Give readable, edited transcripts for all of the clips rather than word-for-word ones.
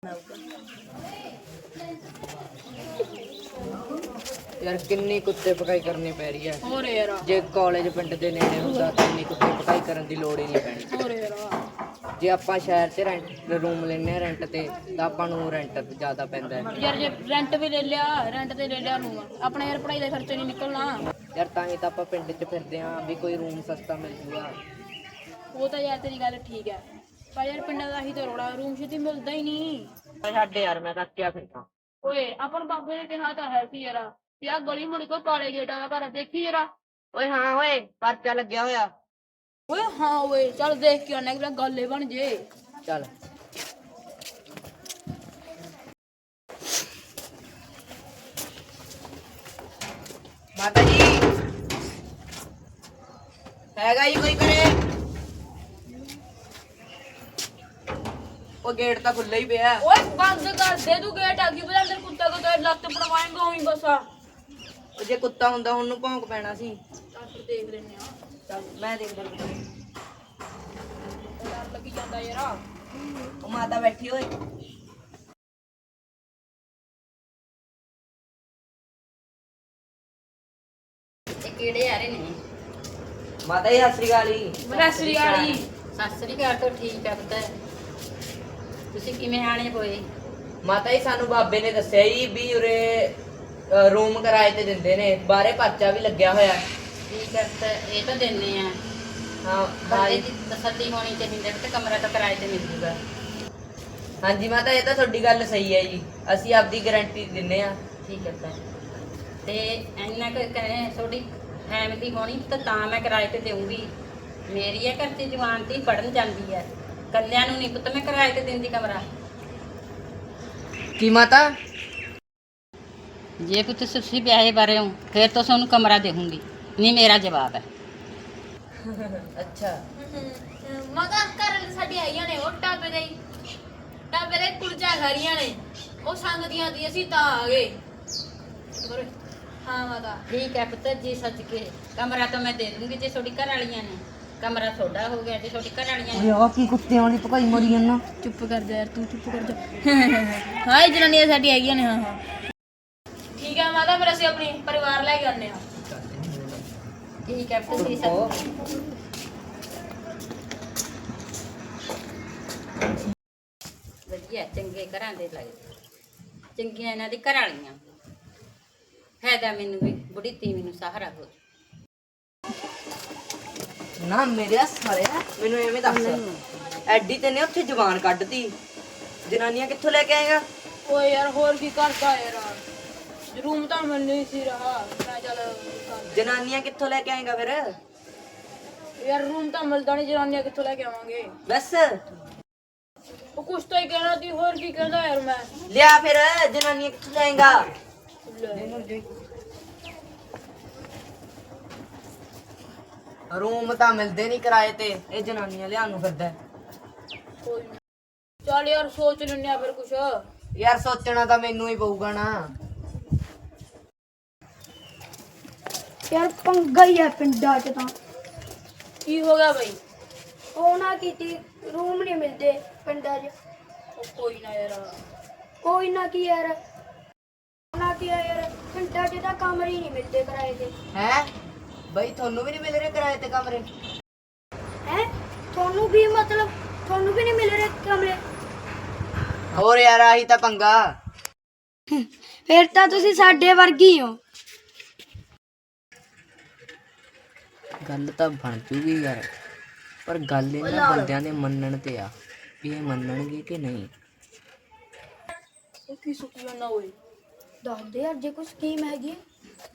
यार किन्नी कुत्ते पकाई करनी पै रही है। ਹੋਰ ਯਾਰ जे कॉलेज पिंड दे नेड़े ਹੁੰਦਾ ਤਾਂ ਇੰਨੀ ਕੁੱਤੇ ਪਕਾਈ ਕਰਨ ਦੀ ਲੋੜ ਹੀ ਨਹੀਂ ਪੈਣੀ। ਹੋਰ ਯਾਰ ਜੇ ਆਪਾਂ ਸ਼ਹਿਰ 'ਚ ਰੈਂਟ ਰੂਮ ਲੈਨੇ ਆ ਰੈਂਟ ਤੇ ਤਾਂ ਆਪਾਂ ਨੂੰ ਰੈਂਟ ਜ਼ਿਆਦਾ ਪੈਂਦਾ ਹੈ। ਯਾਰ ਜੇ ਰੈਂਟ ਵੀ ਲੈ ਲਿਆ ਰੈਂਟ ਤੇ ਲੈ ਲਿਆ ਨੂੰ ਆਪਣੇ ਯਾਰ ਪੜਾਈ ਦਾ ਖਰਚਾ ਨਹੀਂ ਨਿਕਲਣਾ। ਯਾਰ ਤਾਂ ਹੀ ਤਾਂ ਆਪਾਂ ਪਿੰਡ 'ਚ ਫਿਰਦੇ ਆਂ ਵੀ ਕੋਈ ਰੂਮ ਸਸਤਾ ਮਿਲ ਜੂਗਾ। ਉਹ ਤਾਂ ਯਾਰ ਤੇਰੀ ਗੱਲ ਠੀਕ ਹੈ ਪਰ ਯਾਰ ਪਿੰਡਾਂ ਦਾ ਹੀ ਤਾਂ ਰੋੜਾ ਰੂਮ ਛੇਤੀ ਮਿਲਦਾ ਹੀ ਨਹੀਂ। ਛੱਡ ਯਾਰ ਮੈਂ ਤਾਂ ਕਿਆ ਫਿਰਦਾ। ਓਏ ਆਪਾਂ ਨੂੰ ਬਾਬੇ ਨੇ ਕਿਹਾ ਤਾਂ ਹੈ ਸੀ ਯਾਰ ਵੀ ਆਹ ਗਲੀ ਮੁੜ ਕੇ ਕਾਲੇ ਗੇਟਾਂ ਦਾ ਘਰ ਦੇਖੀ ਯਾਰ। ਓਏ ਹਾਂ ਓਏ ਪਰਚਾ ਲੱਗਿਆ ਹੋਇਆ। ਓਏ ਹਾਂ ਓਏ ਚੱਲ ਦੇਖ ਕੇ ਆਉਣਾ ਕਿ ਗੱਲ ਹੀ ਬਣ ਜੇ। ਚੱਲ ਮਾਤਾ ਜੀ ਹੈਗਾ ਜੀ ਕੋਈ ਕਰੇ? ਉਹ ਗੇਟ ਤਾਂ ਖੁੱਲ੍ਹਾ ਹੀ ਪਿਆ। ਓਏ ਬੰਦ ਕਰ ਦੇ ਤੂੰ ਗੇਟ ਆ ਗਈ ਬਲਾ ਅੰਦਰ ਕੁੱਤਾ ਕੋ ਤੇ ਲੱਤ ਪੜਵਾਏਂਗਾ ਉਹੀ ਬਸ ਆ। ਉਹ ਜੇ ਕੁੱਤਾ ਹੁੰਦਾ ਉਹਨੂੰ ਭੌਂਕ ਪੈਣਾ ਸੀ। ਚੱਲ ਫਿਰ ਦੇਖ ਲੈਨੇ ਆ। ਚੱਲ ਮੈਂ ਦੇਖਦਾ। ਡਰ ਲੱਗੀ ਜਾਂਦਾ ਯਾਰ। ਉਹ ਮਾਤਾ ਬੈਠੀ ਓਏ। ਇਹ ਕਿਹੜੇ ਆ ਰਹੇ ਨੇ? ਮਾਤਾ ਜੀ ਸਤਿ ਸ੍ਰੀ ਅਕਾਲ ਜੀ। ਮਨਸਰੀ ਵਾਲੀ ਸਤਿ ਸ੍ਰੀ ਅਕਾਲ ਤੋਂ ਠੀਕ ਆ ਪੁੱਤ। ਤੁਸੀਂ ਕਿਵੇਂ ਆਣੇ ਹੋਏ? ਮਾਤਾ ਜੀ ਸਾਨੂੰ ਬਾਬੇ ਨੇ ਦੱਸਿਆ ਜੀ ਵੀ ਉਰੇ ਰੂਮ ਕਿਰਾਏ ਤੇ ਦਿੰਦੇ ਨੇ, ਬਾਹਰੇ ਪਰਚਾ ਵੀ ਲੱਗਿਆ ਹੋਇਆ। ਠੀਕ ਹੈ ਪੁੱਤ, ਇਹ ਤਾਂ ਦਿੰਨੇ ਆ। ਹਾਂ ਬੰਦੇ ਦੀ ਤਸੱਲੀ ਹੋਣੀ ਚਾਹੀਦੀ ਹੈ ਤੇ ਕਮਰਾ ਤਾਂ ਕਿਰਾਏ ਤੇ ਮਿਲ ਜੂਗਾ। ਹਾਂਜੀ ਮਾਤਾ ਇਹ ਤਾਂ ਤੁਹਾਡੀ ਗੱਲ ਸਹੀ ਹੈ ਜੀ, ਅਸੀਂ ਆਪਦੀ ਗਾਰੰਟੀ ਦਿੰਨੇ ਆ। ਠੀਕ ਹੈ ਪੁੱਤ, ਤੇ ਇੰਨਾ ਕੁ ਕਹੇ ਤੁਹਾਡੀ ਫੈਮਿਲੀ ਹੋਣੀ ਤਾਂ ਮੈਂ ਕਿਰਾਏ ਤੇ ਦੇਵਾਂਗੀ। ਮੇਰੀ ਹੈ ਘਰ 'ਚ ਜਵਾਨ ਧੀ ਪੜਨ ਜਾਂਦੀ ਹੈ, ਕੱਲਿਆਂ ਨੂੰ ਨਹੀਂ ਪੁੱਤ ਮੈਂ ਕਿਰਾਏ ਤੇ ਦਿੰਦੀ ਕਮਰਾ। ਕੀ ਮਾਤਾ? ਜੇ ਪੁੱਤ ਤੁਸੀਂ ਵਿਆਹੇ ਬਾਰੇ ਹੋ ਫਿਰ ਤਾਂ ਤੁਹਾਨੂੰ ਕਮਰਾ ਦੇਵਾਂਗੀ, ਨਹੀਂ ਮੇਰਾ ਜਵਾਬ ਹੈ। ਅੱਛਾ ਮਗਾ ਘਰ ਸਾਡੀ ਆਈਆਂ ਨੇ ਉਹ ਢਾਬੇ ਦੇ ਕੁਲਚਾ ਖਰੀਆਂ ਨੇ ਉਹ ਸੰਗਦੀਆਂ ਦੀ ਅਸੀਂ ਤਾਂ ਆ ਗਏ। ਹਾਂ ਮਾਤਾ ਠੀਕ ਹੈ ਪੁੱਤ ਜੀ, ਸੱਚ ਕੇ ਕਮਰਾ ਤਾਂ ਮੈਂ ਦੇ ਦੂੰਗੀ ਜੇ ਤੁਹਾਡੀ ਘਰ ਵਾਲੀਆਂ ਨੇ। ਕਮਰਾ ਤੁਹਾਡਾ ਹੋ ਗਿਆ ਜੇ ਤੁਹਾਡੀ ਘਰ ਵਾਲੀਆਂ ਨੇ। ਓਏ ਕੀ ਕੁੱਤਿਆਂ ਵਾਲੀ ਭਕਾਈ ਮਰੀ ਜਾਂਦਾ। ਚੁੱਪ ਕਰ ਜਾ ਯਾਰ ਤੂੰ ਚੁੱਪ ਕਰ ਜਾ। ਹਾਂ ਜਨਾਨੀਆਂ ਸਾਡੀ ਆਈਆਂ ਨੇ। ਹਾਂ ਠੀਕ ਹੈ ਮਾਤਾ ਫਿਰ ਅਸੀਂ ਆਪਣੀ ਪਰਿਵਾਰ ਲੈ ਕੇ ਆਉਂਦੇ ਹਾਂ। ਠੀਕ ਹੈ ਪੁੱਤ ਜੀ, ਸੱਚ ਵਧੀਆ ਚੰਗੇ ਘਰਾਂ ਦੇ ਲੱਗਦੇ, ਚੰਗੀਆਂ ਇਹਨਾਂ ਦੀ ਘਰ ਵਾਲੀਆਂ। ਫਾਇਦਾ ਮੈਨੂੰ ਵੀ, ਬੁੜੀ ਧੀ ਮੈਨੂੰ ਸਹਾਰਾ ਹੋ। ਨਾ ਮੇਰੇ ਸਾਲਿਆ ਮੈਨੂੰ ਐਵੇਂ ਦੱਸ, ਐਡੀ ਤੇ ਨੇ ਉੱਥੇ ਜ਼ਬਾਨ ਕੱਢਤੀ, ਜਨਾਨੀਆਂ ਕਿੱਥੋਂ ਲੈ ਕੇ ਆਏਗਾ? ਓਏ ਯਾਰ ਹੋਰ ਕੀ ਕਰਦਾ ਯਾਰ, ਰੂਮ ਤਾਂ ਮਿਲ ਨਹੀਂ ਸੀ ਰਹਾ। ਮੈਂ ਚੱਲ ਜਨਾਨੀਆਂ ਕਿੱਥੋਂ ਲੈ ਕੇ ਆਏਗਾ ਫਿਰ? ਯਾਰ ਰੂਮ ਤਾਂ ਮਿਲਦਾ ਨਹੀਂ, ਜਨਾਨੀਆਂ ਕਿੱਥੋਂ ਲੈ ਕੇ ਆਵਾਂਗੇ? ਬਸ ਉਹ ਕੁਛ ਤਾਂ ਹੀ ਕਹਿਣਾ ਸੀ, ਹੋਰ ਕੀ ਕਹਿੰਦਾ ਯਾਰ ਮੈਂ। ਲਿਆ ਫਿਰ, ਜਨਾਨੀਆਂ ਕਿੱਥੋਂ ਲਾਏਗਾ? ਰੂਮ ਤਾਂ ਮਿਲਦੇ ਨਹੀਂ ਕਿਰਾਏ ਤੇ, ਇਹ ਜਨਾਨੀਆਂ ਲਿਆਉਣ ਨੂੰ ਫਿਰਦਾ। ਕੋਈ ਨੀ। ਚੱਲ ਯਾਰ ਸੋਚ ਲੈਂਦੇ ਆ ਫਿਰ ਕੁਛ। ਯਾਰ ਸੋਚਣਾ ਤਾਂ ਮੈਨੂੰ ਹੀ ਪਊਗਾ ਨਾ। ਯਾਰ ਪੰਗਾ ਹੀ ਹੈ ਪਿੰਡਾਂ 'ਚ ਤਾਂ। ਕੀ ਹੋ ਗਿਆ ਬਈ? ਉਹ ਨਾ ਕੀਤੀ ਰੂਮ ਨਹੀਂ ਮਿਲਦੇ ਪਿੰਡਾਂ 'ਚ। ਉਹ ਕੋਈ ਨਾ ਯਾਰ। ਕੋਈ ਨਾ ਕੀ ਯਾਰ, ਨਾ ਕੀ ਆ ਯਾਰ, ਪਿੰਡਾਂ 'ਚ ਤਾਂ ਕਮਰੇ ਹੀ ਨਹੀਂ ਮਿਲਦੇ ਕਿਰਾਏ ਤੇ। ਹੈ ਬਈ ਤੁਹਾਨੂੰ ਵੀ ਨਹੀਂ ਮਿਲ ਰਹੇ ਕਿਰਾਏ ਤੇ ਕਮਰੇ? ਹੈ ਤੁਹਾਨੂੰ ਵੀ ਮਤਲਬ ਤੁਹਾਨੂੰ ਵੀ ਨਹੀਂ ਮਿਲ ਰਹੇ ਕਮਰੇ? ਹੋਰ ਯਾਰ ਆਹੀ ਤਾਂ ਪੰਗਾ। ਫਿਰ ਤਾਂ ਤੁਸੀਂ ਸਾਡੇ ਵਰਗੀ ਹੋ। ਗੱਲ ਤਾਂ ਬਣ ਜੂਗੀ ਯਾਰ, ਪਰ ਗੱਲ ਇਹਨਾਂ ਬੰਦਿਆਂ ਦੇ ਮੰਨਣ ਤੇ ਆ ਵੀ ਇਹ ਮੰਨਣਗੇ ਕਿ ਨਹੀਂ। ਉਹ ਕੀ ਸੁੱਕੀ ਜਾਂਦਾ ਓਏ? ਦੱਸ ਦੇ ਯਾਰ ਜੇ ਕੋਈ ਸਕੀਮ ਹੈਗੀ ਹੈ।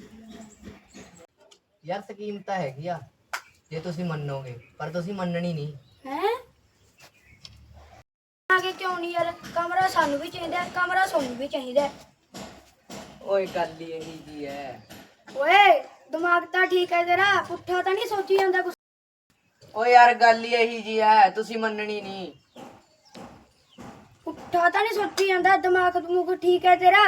ਯਾਰ ਸਕੀਮ ਤਾਂ ਹੈਗੀ ਆ ਜੇ ਤੁਸੀਂ ਮੰਨੋਗੇ, ਪਰ ਤੁਸੀਂ ਮੰਨਣੀ ਨਹੀਂ। ਹੈ ਆਗੇ ਕਿਉਂ ਨਹੀਂ ਯਾਰ, ਕਮਰਾ ਸਾਨੂੰ ਵੀ ਚਾਹੀਦਾ, ਕਮਰਾ ਸਾਨੂੰ ਵੀ ਚਾਹੀਦਾ। ਓਏ ਗੱਲ ਹੀ ਇਹੀ ਜੀ ਹੈ। ਓਏ ਦਿਮਾਗ ਤਾਂ ਠੀਕ ਹੈ ਤੇਰਾ, ਪੁੱਠਾ ਤਾਂ ਨਹੀਂ ਸੋਚੀ ਜਾਂਦਾ ਕੁਛ। ਓ ਯਾਰ ਗੱਲ ਹੀ ਇਹੀ ਜੀ ਹੈ, ਤੁਸੀਂ ਮੰਨਣੀ ਨਹੀਂ। ਪੁੱਠਾ ਤਾਂ ਨਹੀਂ ਸੋਚੀ ਜਾਂਦਾ, ਦਿਮਾਗ ਦਮੂਗ ਠੀਕ ਹੈ ਤੇਰਾ।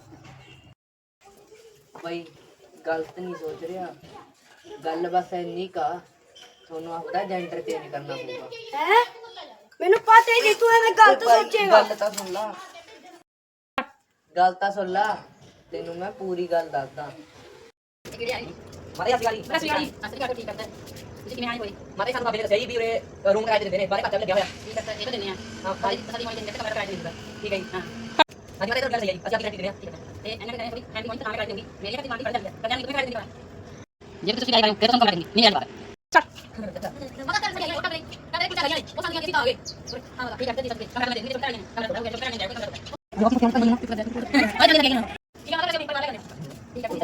ਬਈ ਗਲਤ ਨਹੀਂ ਸੋਚ ਰਿਹਾ, ਗੱਲ ਬਸ ਇੰਨੀ ਕਾ ਤੁਹਾਨੂੰ ਆਪਦਾ ਜੈਂਡਰ ਚੇਂਜ ਕਰਨਾ ਪਊਗਾ। ਹੈ ਮੈਨੂੰ ਪਤਾ ਹੀ ਨਹੀਂ ਤੂੰ ਐਵੇਂ ਗਲਤ ਸੋਚੇਗਾ। ਗੱਲ ਤਾਂ ਸੁਣ ਲਾ, ਗੱਲ ਤਾਂ ਸੁਣ ਲਾ, ਤੈਨੂੰ ਮੈਂ ਪੂਰੀ ਗੱਲ ਦੱਸਦਾ। ਮਾਰੇ ਅਸੀਂ ਗਾਲੀ ਠੀਕ ਕਰਦਾ ਤੁਸੀਂ ਕਿਵੇਂ ਆਏ ਹੋਏ ਮਾਰੇ ਸਾਨੂੰ ਬਾਬੇ ਨੇ ਦੱਸਿਆ ਜੀ ਵੀ ਉਰੇ ਰੂਮ ਕਿਰਾਏ ਤੇ ਦਿੰਦੇ ਨੇ, ਬਾਰੇ ਘੱਟ ਲੱਗਿਆ ਹੋਇਆ। ਕੀ ਕਰਦਾ ਇਹ ਤਾਂ ਦਿੰਦੇ ਆ ਹਾਂ ਸਾਡੀ ਸਾਡੀ ਮਾਈ ਦਿੰਦੇ ਤੇ ਕਮਰਾ ਕਿਰਾਏ ਤੇ ਦਿੰਦਾ ਠੀਕ ਹੈ ਜੀ। ਹਾਂ ਹਾਂਜੀ ਮਾਰੇ ਗੱਲ ਸਹੀ ਹੈ ਜੀ, ਅਸੀਂ ਆਪਣੀ ਰੈਂਟ ਦਿੰਦੇ ਹਾਂ। ਠੀਕ ਹੈ ਤੇ ਇਹਨਾਂ ਨੇ ਥੋੜੀ ਫੈਮਿਲੀ ਤਾਂ ਕਰਾਈ ਦੇਊਗੀ ਮੇਰੀ ਘਰ ਦੀ ਮਾਂ ਦੀ ਫੜ ਜਾਂਦੀ ਹੈ ਕਰਿਆ ਨਹੀਂ ਕਿਵੇਂ ਕਰਾਈ ਦੇਣੀ ਜੇ ਤੁਸੀਂ ਆਏ ਫਿਰ ਤੁਹਾਨੂੰ ਕਮਰਾ ਦੇਣੀ ਨਹੀਂ ਆਣ ਬਾਤ ਮਗਾ ਕਰ ਸਾਡੀ ਆਈਆਂ ਉਹ ਟਾਬੇ ਟਾਬੇ ਕੁਝ ਆਈਆਂ ਨੇ ਉਹ ਸੰਗੀਆਂ ਕਿੱਥੇ ਆ ਗਏ ਹਾਂ ਠੀਕ ਹੈ ਤੇ ਕਮਰਾ ਦੇ ਨਹੀਂ ਕਮਰਾ ਨਹੀਂ ਕਮਰਾ ਹੋ ਗਿਆ ਕਮਰਾ ਨਹੀਂ ਜਾਏਗਾ ਕਮਰਾ ਜੋ ਆਪਾਂ ਕਿਉਂ ਨਹੀਂ ਆ ਜਾ ਲੈ ਕੇ ਠੀਕ ਹੈ ਮਗਾ ਕਰ ਠੀਕ ਹੈ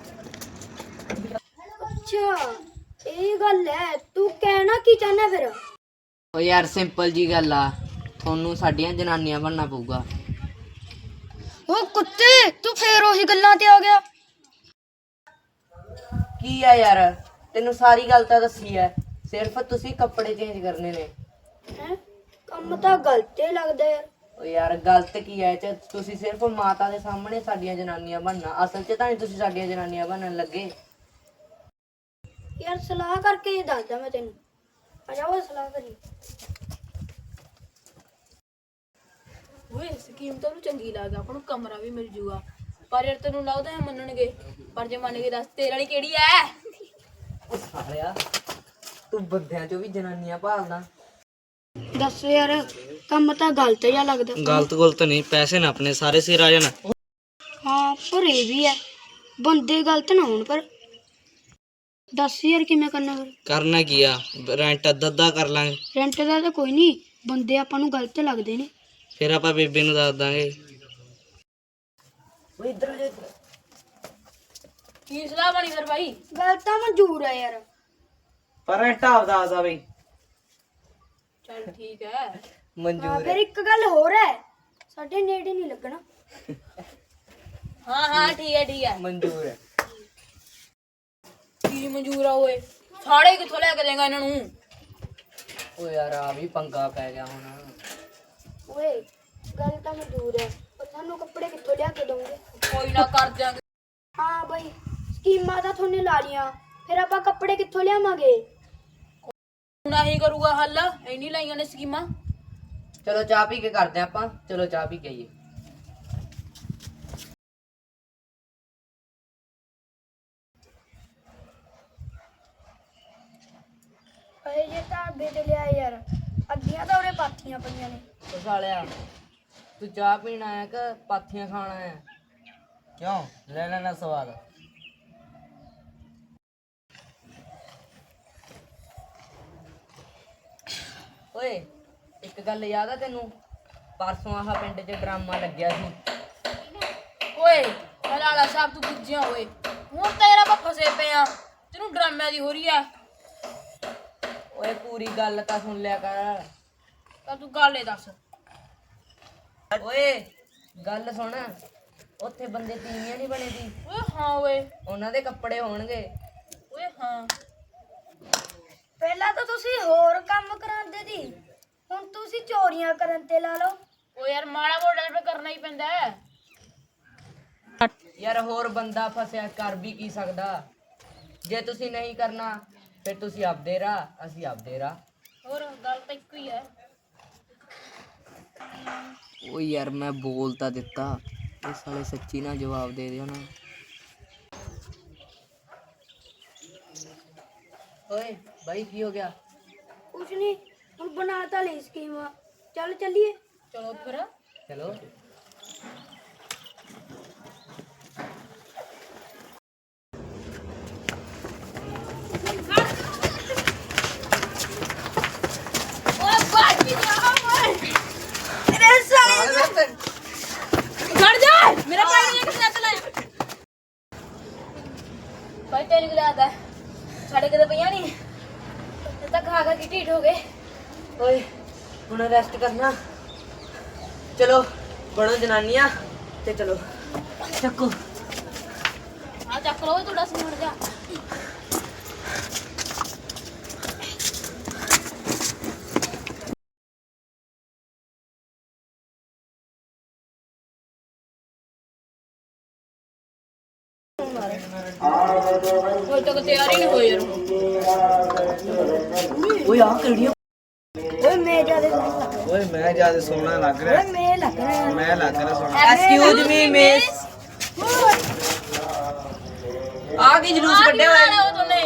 ਅੱਛਾ ਇਹ ਗੱਲ ਹੈ, ਤੂੰ ਕਹਿਣਾ ਕੀ ਚਾਹੁੰਦਾ ਫਿਰ? ਓ ਯਾਰ ਸਿੰਪਲ ਜੀ ਗੱਲ ਆ, ਤੁਹਾਨੂੰ ਸਾਡੀਆਂ ਜਨਾਨੀਆਂ ਬਣਨਾ ਪਊਗਾ। ਉਹ ਕੁੱਤੇ ਤੂੰ ਫੇਰ ਉਹੀ ਗੱਲਾਂ ਤੇ ਆ ਗਿਆ। ਕੀ ਆ ਯਾਰ, ਤੈਨੂੰ ਸਾਰੀ ਗੱਲ ਤਾਂ ਦੱਸੀ ਐ, ਸਿਰਫ ਤੁਸੀਂ ਕੱਪੜੇ ਚੇਂਜ ਕਰਨੇ ਨੇ। ਹੈ ਕੰਮ ਤਾਂ ਗਲਤ ਹੀ ਲੱਗਦਾ ਯਾਰ। ਓ ਯਾਰ ਗਲਤ ਕੀ ਐ ਚ, ਤੁਸੀਂ ਸਿਰਫ ਮਾਤਾ ਦੇ ਸਾਹਮਣੇ ਸਾਡੀਆਂ ਜਨਾਨੀਆਂ ਬਣਨਾ, ਅਸਲ 'ਚ ਤਾਂ ਨਹੀਂ ਤੁਸੀਂ ਸਾਡੀਆਂ ਜਨਾਨੀਆਂ ਬਣਨ ਲੱਗੇ। ਯਾਰ ਸਲਾਹ ਕਰਕੇ ਹੀ ਦੱਸਦਾ ਮੈਂ ਤੈਨੂੰ, ਆ ਜਾ ਉਹ ਸਲਾਹ ਕਰੀ। ਓਏ ਸਕੀਮ ਤਾਂ ਉਹਨੂੰ ਚੰਗੀ ਲੱਗਦਾ, ਆਪਾਂ ਨੂੰ ਕਮਰਾ ਵੀ ਮਿਲ ਜੂਗਾ। ਪਰ ਯਾਰ ਤੈਨੂੰ ਲੱਗਦਾ ਹੈ ਮੰਨਣਗੇ? ਪਰ ਜੇ ਮੰਨ ਗਏ ਦੱਸ ਤੇਰੇ ਵਾਲੀ ਕਿਹੜੀ ਐ? ਓ ਸਾਲਿਆ ਤੂੰ ਬੰਦਿਆਂ 'ਚੋਂ ਵੀ ਜਨਾਨੀਆਂ ਭਾਲਦਾ। ਦੱਸ ਯਾਰ ਕੰਮ ਤਾਂ ਗਲਤ ਜਿਹਾ ਲੱਗਦਾ। ਗਲਤ ਨਹੀਂ, ਪੈਸੇ ਨਾ ਆਪਣੇ ਸਾਰੇ ਸਿਰ ਆ ਜਾਣ। ਹਾਂ ਪਰ ਇਹ ਵੀ ਹੈ, ਬੰਦੇ ਗਲਤ ਨਾ ਹੋਣ। ਪਰ ਦੱਸ ਯਾਰ ਕਿਵੇਂ ਕਰਨਾ ਫਿਰ? ਕਰਨਾ ਕੀ ਆ, ਰੈਂਟ ਅੱਧਾ ਕਰ ਲਾਂਗੇ। ਰੈਂਟ ਦਾ ਤਾਂ ਕੋਈ ਨਹੀਂ, ਬੰਦੇ ਆਪਾਂ ਨੂੰ ਗਲਤ ਲੱਗਦੇ ਨੇ। ਫਿਰ ਆਪਾਂ ਬੇਬੇ ਨੂੰ ਦੱਸ ਦਾਂਗੇ। ਓਏ ਇੱਧਰ ਜੇ ਕੀ ਸਲਾਹ ਬਣੀ ਫਿਰ ਭਾਈ? ਗੱਲ ਤਾਂ ਮਨਜ਼ੂਰ ਹੈ ਯਾਰ, ਪਰ ਰੈਂਟ ਆਪਦਾ ਆਦਾ ਬਈ। ਚੱਲ ਠੀਕ ਹੈ। ਹਾਂ ਮਨਜ਼ੂਰ ਫਿਰ ਇੱਕ ਗੱਲ ਹੋਰ ਹੈ, ਸਾਡੇ ਨੇੜੇ ਨਹੀਂ ਲੱਗਣਾ। ਹਾਂ ਠੀਕ ਹੈ ਮਨਜ਼ੂਰ ਹੈ। ਕੀ ਮਨਜ਼ੂਰ ਆ ਓਏ? ਸਾੜੇ ਕਿੱਥੋਂ ਲੈ ਕੇ ਦੇਗਾ ਇਹਨਾਂ ਨੂੰ? ਓ ਯਾਰ ਆ ਵੀ ਪੰਗਾ ਪੈ ਗਿਆ ਹੁਣ। ਓਏ ਗੱਲ ਤਾਂ ਮਨਜ਼ੂਰ ਹੈ, ਪਰ ਸਾਨੂੰ ਕੱਪੜੇ ਕਿੱਥੋਂ ਲਿਆ ਕੇ ਦੋਗੇ? ਕੋਈ ਨਾ ਕਰ ਦਿਆਂਗੇ। ਹਾਂ ਬਈ ਸਕੀਮਾਂ ਤਾਂ ਤੁਹਾਨੂੰ ਲਾ ਲੀਆਂ, ਫਿਰ ਆਪਾਂ ਕੱਪੜੇ ਕਿੱਥੋਂ ਲਿਆਵਾਂਗੇ? ਹੁਣ ਆਹੀ ਕਰੂਗਾ ਹੱਲ, ਇੰਨੀ ਲਾਈਆਂ ਨੇ ਸਕੀਮਾਂ। ਚਲੋ ਚਾਹ ਪੀ ਕੇ ਕਰਦੇ ਆਂ ਆਪਾਂ, ਚਲੋ ਚਾਹ ਪੀ ਕੇ ਆਈਏ। ਅਰੇ ਜੇ ਢਾਬੇ ਤੇ ਲਿਆ ਯਾਰ, ਅੱਧੀਆਂ ਤਾਂ ਉਰੇ ਪਾਥੀਆਂ ਪਈਆਂ ਨੇ। ਓ ਸਾਲਿਆ ਤੂੰ ਚਾਹ ਪੀਣ ਆਇਆ ਕਿ ਪਾਥੀਆਂ ਖਾਣ ਆਇਆ? ਕਿਉਂ ਲੈ ਲੈਣਾ ਸਵਾਦ। ਓਏ ਇੱਕ ਗੱਲ ਯਾਦ ਆ ਤੈਨੂੰ, ਪਰਸੋਂ ਆਹ ਪਿੰਡ 'ਚ ਡਰਾਮਾ ਲੱਗਿਆ ਸੀ। ਓਏ ਹਲਾਲਾ ਸਾਹਿਬ ਤੂੰ ਗੁੱਜਿਆ ਓਏ, ਹੁਣ ਤੇਰਾ ਆਪਾਂ ਫਸੇ ਪਏ ਆ, ਤੈਨੂੰ ਡਰਾਮਿਆਂ ਦੀ ਹੋ ਰਹੀ ਆ। ਓਏ ਪੂਰੀ ਗੱਲ ਤਾਂ ਸੁਣ ਲਿਆ ਕਰ। ਤਾਂ ਤੂੰ ਗੱਲ ਏ ਦੱਸ। ਓਏ ਗੱਲ ਸੁਣ, ਉੱਥੇ ਬੰਦੇ ਤੀਵੀਆਂ ਨਹੀਂ ਬਣੇ ਸੀ, ਓਏ ਹਾਂ ਓਏ, ਉਹਨਾਂ ਦੇ ਕੱਪੜੇ ਹੋਣਗੇ। ਓਏ ਹਾਂ ਪਹਿਲਾਂ ਤਾਂ ਤੁਸੀਂ ਹੋਰ ਕੰਮ ਕਰਾਉਂਦੇ ਸੀ, ਹੁਣ ਤੁਸੀਂ ਚੋਰੀਆਂ ਕਰਨ ਤੇ ਲਾ ਲਓ। ਓ ਯਾਰ ਮਾੜਾ ਮੋਟਾ ਤਾਂ ਕਰਨਾ ਹੀ ਪੈਂਦਾ ਹੈ। ਯਾਰ ਹੋਰ ਬੰਦਾ ਫਸਿਆ ਕਰ ਵੀ ਕੀ ਸਕਦਾ, ਜੇ ਤੁਸੀਂ ਨਹੀਂ ਕਰਨਾ ਫਿਰ ਤੁਸੀਂ ਆਪਦੇ ਰਾਹ, ਅਸੀਂ ਆਪਦੇ ਰਾਹ। ਹੋਰ ਗੱਲ ਤਾਂ ਇੱਕੋ ਹੀ ਹੈ। ਓ ਯਾਰ ਮੈਂ ਬੋਲ ਤਾਂ ਦਿੱਤਾ, ਇਹ ਸਾਲੇ ਸੱਚੀ ਨਾ ਜਵਾਬ ਦੇ ਦਿਓ ਨਾ। ਓਏ ਬਾਈ ਕੀ ਹੋ ਗਿਆ? ਕੁਛ ਨਹੀਂ, ਹੁਣ ਬਣਾ ਤਾਂ ਲਈ ਸਕੀਮ, ਚੱਲ ਚੱਲੀਏ। ਚਲੋ ਫਿਰ ਚਲੋ ਖੜ ਜਾ, ਮੇਰਾ ਭਾਈ ਨੇ ਕਿੱਥੇ ਲਾਇਆ? ਭਾਈ ਤੇਰੀ ਕੀ ਲੱਗਦਾ ਸਾਡੇ ਕਿਤੇ ਪਈਆਂ ਨਹੀਂ, ਇਹ ਤਾਂ ਖਾ ਖਾ ਕੇ ਢੀਠ ਹੋ ਗਏ। ਓਏ ਹੁਣ ਰੈਸਟ ਕਰਨਾ, ਚਲੋ ਬਣੋ ਜਨਾਨੀਆਂ ਤੇ ਚਲੋ ਚੱਕੋ। ਆ ਚੱਕ ਲਓ ਤੁਹਾਡਾ ਸਮਾਨ ਜਾ। ਕੋਈ ਤੱਕ ਤਿਆਰ ਹੀ ਨਹੀਂ ਹੋਈ ਯਾਰ। ਓਏ ਆ ਕਿਹੜੀਆਂ ਓਏ ਮੈਂ ਜਿਆਦਾ ਓਏ ਮੈਂ ਜਿਆਦਾ ਸੋਹਣਾ ਲੱਗ ਰਿਹਾ। ਮੈਂ ਲੱਗ ਰਿਹਾ ਮੈਂ ਲੱਗ ਰਿਹਾ ਸੋਹਣਾ। ਐਕਸਕਿਊਜ਼ ਮੀ ਮਿਸ, ਆ ਕੀ ਜਲੂਸ ਕੱਢਿਆ ਹੋਇਆ? ਉਹ ਤੋਲੇ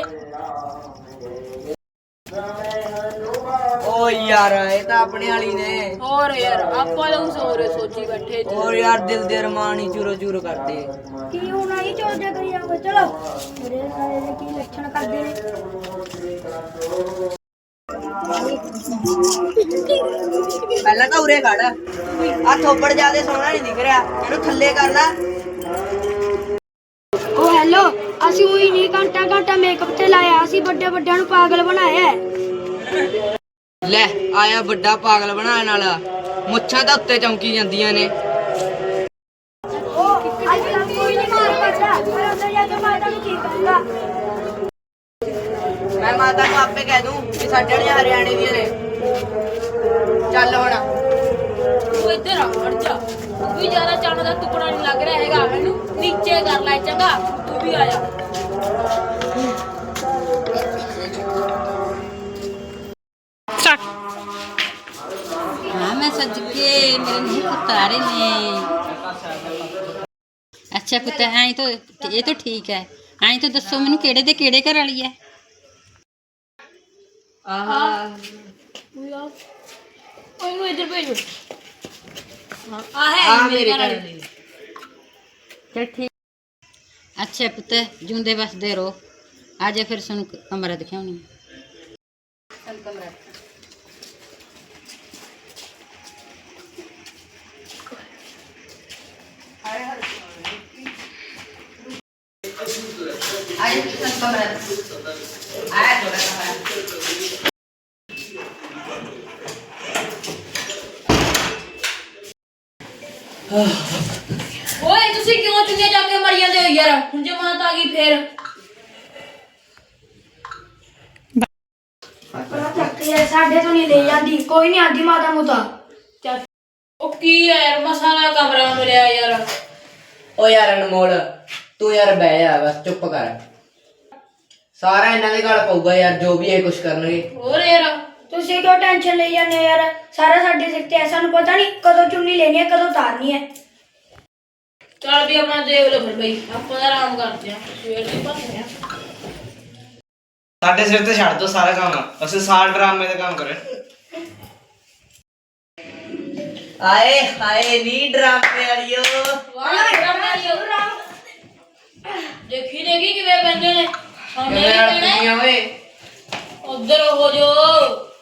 ਓ ਯਾਰ ਇਹ ਤਾਂ ਆਪਣੇ ਵਾਲੀ ਨੇ। ਹੋਰ ਯਾਰ ਆਪਾਂ ਲੋਕ ਸੋਚੀ ਬੈਠੇ ਸੀ। ਹੋਰ ਯਾਰ ਦਿਲ ਦੇ ਅਰਮਾਨ ਹੀ ਚੂਰੋ ਚੂਰ ਕਰਦੇ। ਕੀ ਹੋਣਾ ਹੀ ਚੋਜਾ ਕਰੀ ਜਾਵੇ। ਚਲੋ ਮੇਰੇ ਸਾਰੇ ਦੇ ਕੀ ਲੱਛਣ ਕਰਦੇ ਨੇ। ਪਹਿਲਾਂ ਤਾਂ ਉਰੇ ਖੜ, ਆ ਥੋਪੜ ਜਿਆਦੇ ਸੋਹਣਾ ਨਹੀਂ ਦਿਖ ਰਿਹਾ, ਇਹਨੂੰ ਥੱਲੇ ਕਰ ਲੈ। ਓ ਹੈਲੋ, ਅਸੀਂ ਉਹੀ ਨਹੀਂ ਘੰਟਾ ਮੇਕਅਪ ਤੇ ਲਾਇਆ, ਅਸੀਂ ਵੱਡੇ ਵੱਡਿਆਂ ਨੂੰ ਪਾਗਲ ਬਣਾਇਆ ਹੈ। ਲੈ ਆਇਆ ਵੱਡਾ ਪਾਗਲ ਬਣਾਉਣ ਵਾਲਾ, ਮੁੱਛਾਂ ਤਾਂ ਉੱਤੇ ਚਮਕੀ ਜਾਂਦੀਆਂ ਨੇ। ਉਹ ਅੱਜ ਕੱਲ੍ਹ ਕੋਈ ਨਹੀਂ ਮਾਰ ਪੜਦਾ, ਪਰ ਅੰਦਰ ਜਾ ਕੇ ਮਾਤਾ ਨੂੰ ਕੀ ਕਹੂੰਗਾ। ਮੈਂ ਮਾਤਾ ਨੂੰ ਆਪੇ ਕਹਿ ਦੂੰ ਕਿ ਸਾਡੇ ਵਾਲੀਆਂ ਹਰਿਆਣੇ ਦੀਆਂ ਨੇ। ਚੱਲ ਹੁਣ ਤੂੰ ਇੱਧਰ ਆ ਵੜ ਜਾ। ਤੂੰ ਵੀ ਜ਼ਿਆਦਾ ਚੰਨ ਦਾ ਟੁਕੜਾ ਨਹੀਂ ਲੱਗ ਰਿਹਾ ਹੈਗਾ, ਮੈਨੂੰ ਨੀਚੇ ਕਰ ਲੈ ਚੰਗਾ। ਤੂੰ ਵੀ ਆ ਜਾ। हाँ मैं सज के मेरे नहीं उतारे ने। अच्छा पुत आई तो ये तो ठीक है। आई तो दसो मैनू केड़े दे केड़े घर वाली है। ਉਹਨੂੰ ਇੱਧਰ ਭੇਜੋ। ਆ ਹੈ ਮੇਰੇ ਘਰ ਵਾਲੀ। चल ठीक। अच्छा पुत जूंदे बसदे रहो। आज फिर सुन कमरा दिखाऊनी। चल कमरा आए किचन कमरा आया थोड़ा कमरा। ਓਏ ਤੁਸੀਂ ਕਿਉਂ ਚੁੰਗੇ ਜਾ ਕੇ ਮਰ ਜਾਂਦੇ ਹੋ ਯਾਰ? ਹੁਣ ਜੇ ਮਾਤ ਆ ਗਈ ਫੇਰ ਸਾਡੇ ਤੋਂ ਨਹੀਂ ਲੈ ਜਾਂਦੀ, ਕੋਈ ਨਹੀਂ ਆਂਦੀ ਮਾਤਾ ਮੁਤਾ। ਚੱਲ। ਉਹ ਕੀ ਹੈ ਯਾਰ, ਮਸਾਲਾ ਕਮਰਾ ਮਿਲਿਆ ਯਾਰ। ਓ ਯਾਰ ਅਨਮੋਲ, ਤੂੰ ਯਾਰ ਬਹਿ ਜਾ, ਬਸ ਚੁੱਪ ਕਰ। ਸਾਰਾ ਇਹਨਾਂ ਦੇ ਗਲ ਪਊਗਾ ਯਾਰ, ਜੋ ਵੀ ਇਹ ਕੁਛ ਕਰਨਗੇ। ਹੋਰ ਯਾਰ ਤੁਸੀਂ ਕਿਉਂ ਟੈਨਸ਼ਨ ਲਈ ਜਾਂਦੇ ਹੋ ਯਾਰ? ਸਾਰਾ ਸਾਡੇ ਸਿਰ ਤੇ ਹੈ, ਸਾਨੂੰ ਪਤਾ ਨਹੀਂ ਕਦੋਂ ਚੁੰਨੀ ਲੈਣੀ ਹੈ ਕਦੋਂ ਉਤਾਰਨੀ ਹੈ। ਚੱਲ ਵੀ ਆਪਣਾ ਦੇਖ ਲਓ ਫਿਰ ਬਈ, ਆਪਾਂ ਤਾਂ ਆਰਾਮ ਕਰਦੇ ਆ, ਸਵੇਰ ਦੇ ਭੱਜਦੇ ਆ। ਸਾਡੇ ਸਿਰ ਤੇ ਛੱਡ ਦੋ ਸਾਰਾ ਕੰਮ, ਅਸੀਂ ਸਾਲ ਡਰਾਮੇ ਦਾ ਕੰਮ ਕਰੇ। ਆਏ ਹਾਏ ਨੀ ਡਰਾਮੇ ਵਾਲਿਓ। ਦੇਖੀ ਕਿਵੇਂ ਪੈਂਦੇ ਨੇ। ਕਿਵੇਂ ਅੜਕਦੀਆਂ ਓਏ? ਉਧਰ ਹੋ ਜੋ।